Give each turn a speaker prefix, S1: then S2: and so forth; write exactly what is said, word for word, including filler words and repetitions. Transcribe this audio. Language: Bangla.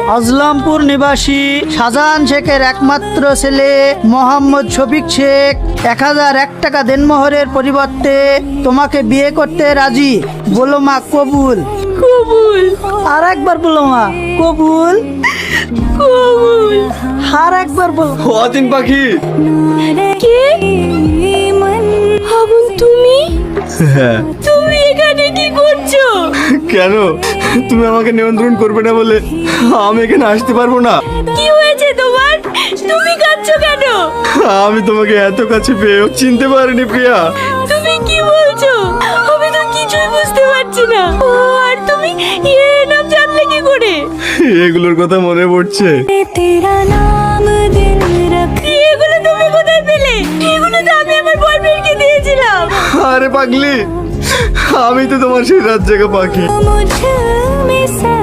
S1: আজলামপুর নিবাসী শাহজাহান শেখের একমাত্র ছেলে মোহাম্মদ শফিক শেখ এক হাজার এক টাকা দেনমোহরের পরিবর্তে তোমাকে বিয়ে করতে রাজি। বলো মা কবুল?
S2: কবুল।
S1: আর একবার বলো মা কবুল।
S2: কবুল।
S1: আর একবার বলো।
S3: অতীন পাখি।
S2: কে? আবুল তুমি?
S3: হ্যাঁ।
S2: তুমি এখানে কি করছো?
S3: কেন তুমি আমাকে নিয়ন্ত্রণ করবে না বলে আমি এখানে আসতে পারবো না?
S2: কি হয়েছে তোমার? তুমি কাঁদছো কেন?
S3: আমি তোমাকে এত কাছে পেয়েও চিনতে পারিনি প্রিয়া।
S2: তুমি কি বলছো? আমি তো কিছুই বুঝতে পারছি না। ও, আর তুমি এর নাম জানলে কি করে?
S3: এগুলোর কথা মনে পড়ছে।
S2: এগুলো তুমি কোথায় পেলে? এগুলো তো আমি আমার বয়ফ্রেন্ডকে দিয়েছিলাম।
S3: আরে পাগলি, আমি তো তোমার সেই রাত জায়গা পাখি।